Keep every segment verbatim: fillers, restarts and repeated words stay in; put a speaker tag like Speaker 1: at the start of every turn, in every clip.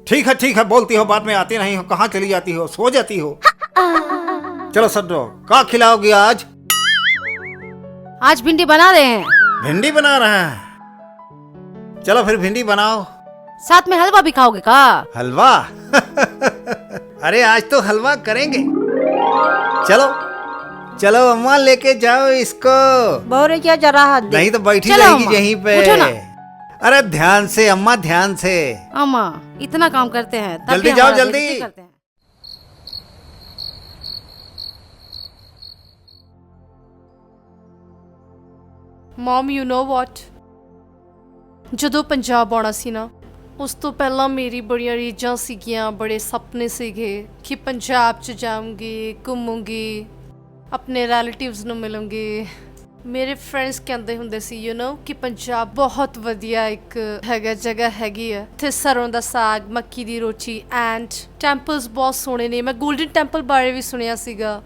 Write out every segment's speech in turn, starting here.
Speaker 1: ठीक है ठीक है, बोलती हो बाद में आती नहीं हो, कहाँ चली जाती हो, सो जाती हो। चलो सड्डो, क्या खिलाओगी आज?
Speaker 2: आज भिंडी बना रहे हैं।
Speaker 1: भिंडी बना रहे हैं, चलो फिर भिंडी बनाओ।
Speaker 2: साथ में हलवा भी खाओगे का?
Speaker 1: हलवा? अरे आज तो हलवा करेंगे। चलो चलो अम्मा लेके जाओ इसको।
Speaker 3: बोरे क्या जरा
Speaker 1: नहीं तो बैठी
Speaker 2: चलो
Speaker 1: रहेगी
Speaker 2: अम्मा,
Speaker 1: यहीं पे।
Speaker 2: उठो ना।
Speaker 1: अरे ध्यान से अम्मा, ध्यान से।
Speaker 2: अम्मा इतना काम करते हैं तब
Speaker 1: जल्दी
Speaker 2: भी
Speaker 1: जाओ,
Speaker 2: हमारा
Speaker 1: जल्दी।
Speaker 2: बेइज्जती करते हैं।
Speaker 4: ਮਮ ਯੂ ਨੋ ਵਾਟ, ਜਦੋਂ ਪੰਜਾਬ ਆਉਣਾ ਸੀ ਨਾ ਉਸ ਤੋਂ ਪਹਿਲਾਂ ਮੇਰੀ ਬੜੀਆਂ ਰੀਝਾਂ ਸੀਗੀਆਂ, ਬੜੇ ਸੁਪਨੇ ਸੀਗੇ ਕਿ ਪੰਜਾਬ 'ਚ ਜਾਊਂਗੀ, ਘੁੰਮੂੰਗੀ, ਆਪਣੇ ਰਿਲੇਟਿਵਸ ਨੂੰ ਮਿਲੂੰਗੀ। ਮੇਰੇ ਫਰੈਂਡਸ ਕਹਿੰਦੇ ਹੁੰਦੇ ਸੀ ਯੂ ਨੋ ਕਿ ਪੰਜਾਬ ਬਹੁਤ ਵਧੀਆ ਇੱਕ ਹੈਗਾ ਜਗ੍ਹਾ ਹੈਗੀ ਆ, ਇੱਥੇ ਸਰੋਂ ਦਾ ਸਾਗ, ਮੱਕੀ ਦੀ ਰੋਟੀ ਐਂਡ ਟੈਂਪਲਸ ਬਹੁਤ ਸੋਹਣੇ ਨੇ। ਮੈਂ ਗੋਲਡਨ ਟੈਂਪਲ ਬਾਰੇ ਵੀ ਸੁਣਿਆ ਸੀਗਾ,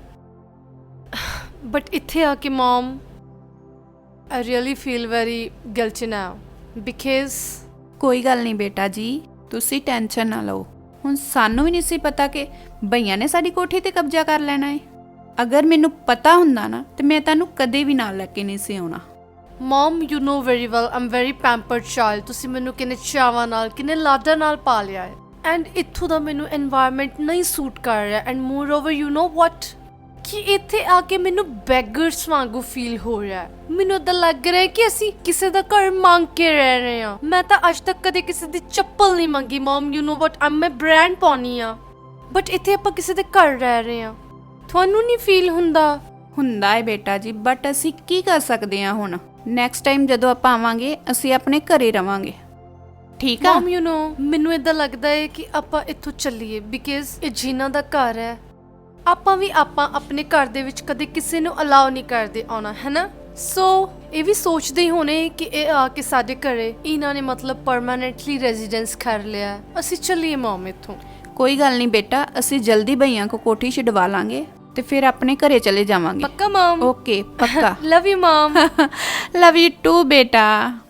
Speaker 4: ਬਟ ਇੱਥੇ ਆ ਕੇ ਮਮ I really feel very guilty now because
Speaker 3: ਕੋਈ ਗੱਲ ਨਹੀਂ ਬੇਟਾ ਜੀ, ਤੁਸੀਂ ਟੈਨਸ਼ਨ ਨਾ ਲਓ। ਹੁਣ ਸਾਨੂੰ ਵੀ ਨਹੀਂ ਸੀ ਪਤਾ ਕਿ ਭਈਆ ਨੇ ਸਾਡੀ ਕੋਠੀ ਤੇ ਕਬਜ਼ਾ ਕਰ ਲੈਣਾ ਹੈ। ਅਗਰ ਮੈਨੂੰ ਪਤਾ ਹੁੰਦਾ ਨਾ ਤੇ ਮੈਂ ਤੁਹਾਨੂੰ ਕਦੇ ਵੀ ਨਾਲ ਲੈ ਕੇ ਨਹੀਂ ਸੀ ਆਉਣਾ।
Speaker 4: Mom, you know very well I'm very pampered child। ਤੁਸੀਂ ਮੈਨੂੰ ਕਿੰਨੇ ਚਾਵਾਂ ਨਾਲ, ਕਿੰਨੇ ਲਾਡਾਂ ਨਾਲ ਪਾਲਿਆ ਹੈ ਐਂਡ ਇੱਥੋਂ ਦਾ ਮੈਨੂੰ এনवायरमेंट ਨਹੀਂ ਸੂਟ ਕਰ ਰਿਹਾ and moreover you know what ਕਿ ਇੱਥੇ ਆ ਕੇ ਮੈਨੂੰ ਬੈਗਰਸ ਵਾਂਗੂ ਫੀਲ ਹੋ ਰਿਹਾ ਹੈ। ਮੈਨੂੰ ਤਾਂ ਲੱਗ ਰਿਹਾ ਕਿ ਅਸੀਂ ਕਿਸੇ ਦਾ ਘਰ ਮੰਗ ਕੇ ਰਹਿ ਰਹੇ ਹਾਂ। ਮੈਂ ਤਾਂ ਅੱਜ ਤੱਕ ਕਦੇ ਕਿਸੇ ਦੀ ਚੱਪਲ ਨਹੀਂ ਮੰਗੀ ਮਮ, ਯੂ ਨੋ ਵਾਟ, ਮੈਂ ਬ੍ਰਾਂਡ ਪਾਉਣੀ ਆ, ਬਟ ਇੱਥੇ ਆਪਾਂ ਕਿਸੇ ਦੇ ਘਰ ਰਹਿ ਰਹੇ ਹਾਂ। ਤੁਹਾਨੂੰ ਨਹੀਂ ਫੀਲ ਹੁੰਦਾ?
Speaker 3: ਹੁੰਦਾ ਹੈ ਬੇਟਾ ਜੀ, ਬਟ ਅਸੀਂ ਕੀ ਕਰ ਸਕਦੇ ਹਾਂ ਹੁਣ। ਨੈਕਸਟ ਟਾਈਮ ਜਦੋਂ ਆਪਾਂ ਆਵਾਂਗੇ ਅਸੀਂ ਆਪਣੇ ਘਰੇ ਰਵਾਂਗੇ, ਠੀਕ ਆ?
Speaker 4: ਮਮ ਯੂ ਨੋ ਮੈਨੂੰ ਇਦਾਂ ਲੱਗਦਾ ਹੈ ਕਿ ਆਪਾਂ ਇੱਥੋਂ ਚੱਲੀਏ ਬਿਕਾਜ਼ ਇਹ ਜੀਨਾ ਦਾ ਘਰ ਹੈ। ਆਪਾਂ ਵੀ ਆਪਾਂ ਆਪਣੇ ਘਰ ਦੇ ਵਿੱਚ ਕਦੇ ਕਿਸੇ ਨੂੰ ਅਲਾਉ ਨਹੀਂ ਕਰਦੇ ਆਉਣਾ, ਹੈ ਨਾ? ਸੋ ਇਹ ਵੀ ਸੋਚਦੇ ਹੀ ਹੋਣੇ ਕਿ ਇਹ ਆ ਕੇ ਸਾਡੇ ਘਰੇ ਇਹਨਾਂ ਨੇ ਮਤਲਬ ਪਰਮਾਨੈਂਟਲੀ ਰੈਜ਼ੀਡੈਂਸ ਕਰ ਲਿਆ। ਅਸੀਂ ਚੱਲੀਏ ਮਮ ਇੱਥੋਂ।
Speaker 3: ਕੋਈ ਗੱਲ ਨਹੀਂ ਬੇਟਾ, ਅਸੀਂ ਜਲਦੀ ਭਈਆ ਕੋ ਕੋਠੀ ਛਡਵਾ ਲਾਂਗੇ ਤੇ ਫਿਰ ਆਪਣੇ ਘਰੇ ਚਲੇ ਜਾਵਾਂਗੇ।
Speaker 4: ਪੱਕਾ ਮਮ?
Speaker 3: ਓਕੇ ਪੱਕਾ।
Speaker 4: Love you mum.
Speaker 3: Love you too ਬੇਟਾ।